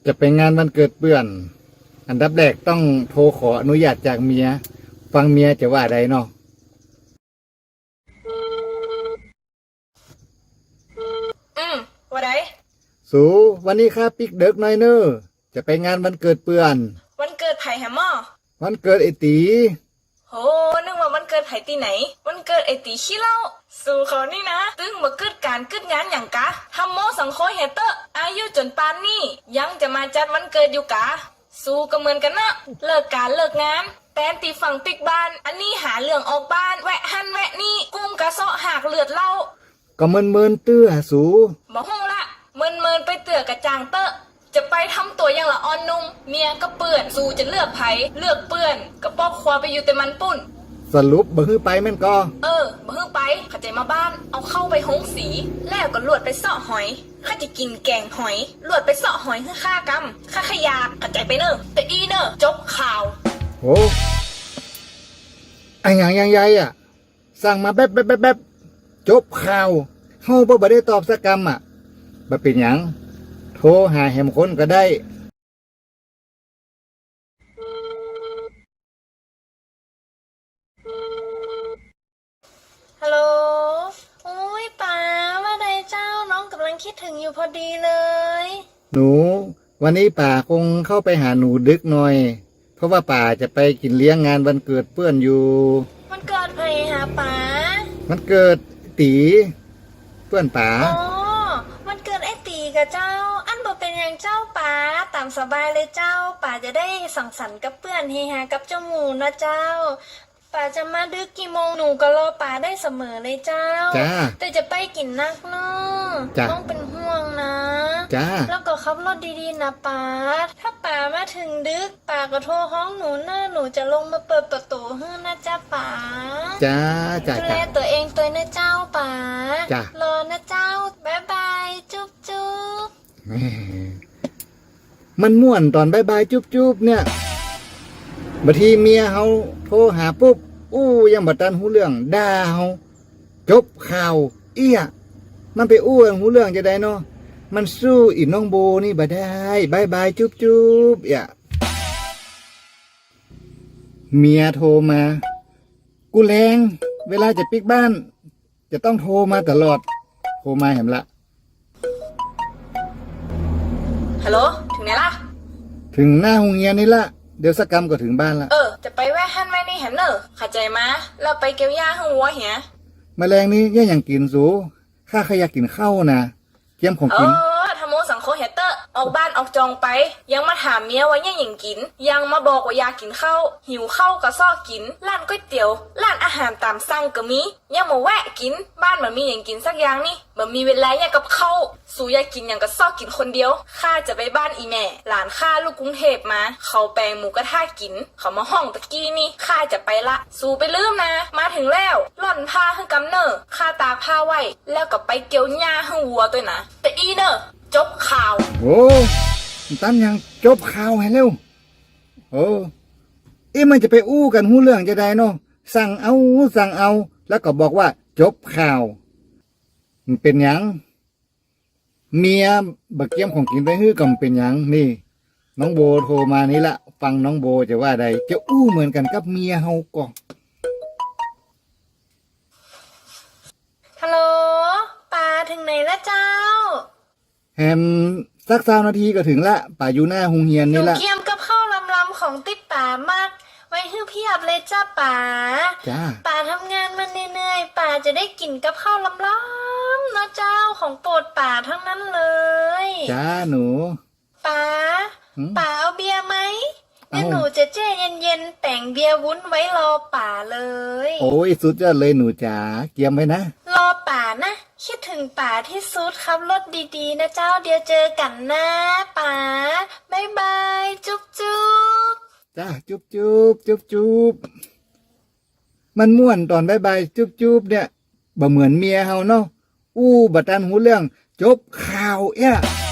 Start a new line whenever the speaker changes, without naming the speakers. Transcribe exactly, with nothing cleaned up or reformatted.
จะไปงานวันเกิดเพื่อนอันดับแรกต้องโทรขออนุญาตจากเมียฟังเมียจะว่าใดเนาะ
อืมว่าได
สูวันนี้ข้าปิกเด็กหน่อยเนอะจะไปงานวันเกิดเพื่อน
วันเกิดไผ่แฮมม่อ
วันเกิดไอตี
โหนึกว่าวันเกิดไผ่ตีไหนวันเกิดไอตีขี้เหล้าสู่เขานี่นะตึงมาเกิดการเกิดงานอย่างกะทำโมสังโคเฮเตอร์อายุจนปานนี่ยังจะมาจัดวันเกิดอยู่กะสู้ก็เหมือนกันนะเลิกการเลิกงานแตนตีฝั่งปิกบ้านอันนี้หาเรื่องออกบ้านแวะหันแวะนี่กุ้งกระเซาะหักเลือดเล่า
ก็เมินเมินเตื้อสู
บอกห้องละเมินเมินไปเตือกระจางเตอะจะไปทำตัวอย่างละอ่อนนุ่มเมียก็เปื่อนสู้จะเลือกไผเลือกเปื่อนก็ปอกควาไปอยู่แต่มันปุ่น
สรุปบ่ฮื้อไปแม่นก็
เออบ่ฮื้อไปเข้าใจมาบ้านเอาเข้าไปหงสีแล้วก็ลวดไปเสาะหอยข้าจะกินแกงหอยลวดไปเสาะหอยคือข้ากำข้าขยาเข้าใจไปเนอะแต่อีเนอะจบข่าว
โอ้ไอ้หยังยังใหญ่อ่ะสั่งมาแป๊บแป๊บแป๊บแป๊บจบข่าวเฮาบ่บ่ได้ตอบสักคำอ่ะบ่เป็นหยังโทรหาแหมคนก็ได้
ฮัลโหลโอ้ยป๋าว่าไดเจ้าน้องกำลังคิดถึงอยู่พอดีเลย
หนูวันนี้ป่าคงเข้าไปหาหนูดึกหน่อยเพราะว่าป่าจะไปกินเลี้ยงงานวันเกิดเพื่อนอยู่
มันเกิดใครหาป๋า
มันเกิดตีเพื่อนป่า
อ๋อมันเกิดไอ้ตีกับเจ้าอันบ่เป็นอย่างเจ้าป๋าตามสบายเลยเจ้าป๋าจะได้สังสรรค์กับเพื่อนเฮฮากับเจ้าหมูนะเจ้าป๋าจะมาดึกกี่โมงหนูก็รอป๋าได้เสมอเลยเจ้าแต่จะไปกินนักเนาะต้องเป็นห่วงนะ
จ้า
แล้วก็ขับรถดีๆนะป๋าถ้าป๋ามาถึงดึกป๋าก็โทรห้องหนูนะหนูจะลงมาเปิดประตูให้นะจ้าป๋า
จ้าจ้า
ดูแลตัวเองตัวนะเจ้าป๋า
จ้าร
อนะเจ้าบ๊ายบายจุ๊บจุ๊บ
มันม่วนตอนบ๊ายบายจุ๊บจุ๊บเนี่ยบางทีเมียเขาโทรหาปุ๊บอู้ยังบัดตันหูเรื่องด่าเขาจบข่าวเอี้ยมันไปอู้หูเรื่องจะได้เนาะมันสู้อีน้องโบนี่บ่ได้บายบายจุ๊บจุ๊บเอี้ยเมียโทรมากูแรงเวลาจะปิกบ้านจะต้องโทรมาตลอดโทรมาเห็นละ
ฮัลโหลถึงไหนล่ะ
ถึงหน้าโรงเรียนนี่ละเดี๋ยวสักกรรมก็ถึงบ้านละ
เออจะไปแวะหันไว้นี่แหมเนอะเข้าใจมาเราไปเกี่ยวหญ้าให้วัวเหีย
แมลงนี้ย่าอย่างกินสูข้าขยากกินข้าวนะเกี่ยมของกิน
เออทำโมสังโคเฮเตอร์ออกบ้านออกจองไปยังมาถามเมียว่าย่าอย่างกินยังมาบอกว่าอยากกินข้าวหิวข้าวก็ซ้อกินร้านก๋วยเตี๋ยวร้านอาหารตามสั่งก็มียังมาแวะกินบ้านมันมีอย่างกินสักอย่างนี่มันมีเวลาอย่างกับข้าวสูอยากกินอย่างก็ซ้อกินคนเดียวข้าจะไปบ้านอีแม่หลานข้าลูกกรุงเทพมาเขาแปลงหมูกระทะกินเขามาห้องตะกี้นี่ข้าจะไปละสูไปลืมนะมาถึงแล้วหล่อนผ้าให้กำเนอข้าตากผ้าไว้แล้วก็ไปเกี่ยวหญ้าให้วัวตัวนะแต่อีเนอจบข่าว
โอ้ตั้นยังจบข่าวให้เร็วโอ้เอ๊ะมันจะไปอู้กันหู้เรื่องจะได้เนาะสั่งเอาสั่งเอาแล้วก็บอกว่าจบข่าวมันเป็นหยังเมียบักเกี้ยมของกินไปฮื้อก็เป็นหยังนี่น้องโบโทรมานี่ละฟังน้องโบจะว่าใดจะอู้เหมือนกันกับเมียเฮาก็
ฮัลโหลป่าถึงไหนละเจ้า
แฮมสักสามนาทีก็ถึงละป่าอยู่หน้าโรงเรียนนี่ละ
หนูเกี่ยมกับข้าวลำๆของติ๊บป่ามากไว้ฮื้อเพียบเลยจ้าป่า
จ้า
ป่าทำงานมาเหนื่อยๆป่าจะได้กินกับข้าวลำๆนะเจ้าของโปรดป่าทั้งนั้นเลย
จ้าหนู
ป่าป่าเอาเบียร์ไหมเดี๋ยวหนูจะแช่เย็นๆแต่งเบียร์วุ้นไว้รอป่าเลย
โอ้ยสุดยอดเลยหนูจ๋าเกียมไว้นะ
รอป่านะคิดถึงป่าที่สุดขับรถดีๆนะเจ้าเดี๋ยวเจอกันนะป่าบ๊ายบายจุ๊บจุ๊บ
จ้าจุ๊บจุ๊บจุ๊บจุ๊บมันม่วนตอนบ๊ายบายจุ๊บจุ๊บเนี่ยบ่เหมือนเมียเฮาเนาะอู้บัดตันหูเรื่องจบข่าวเอ้ย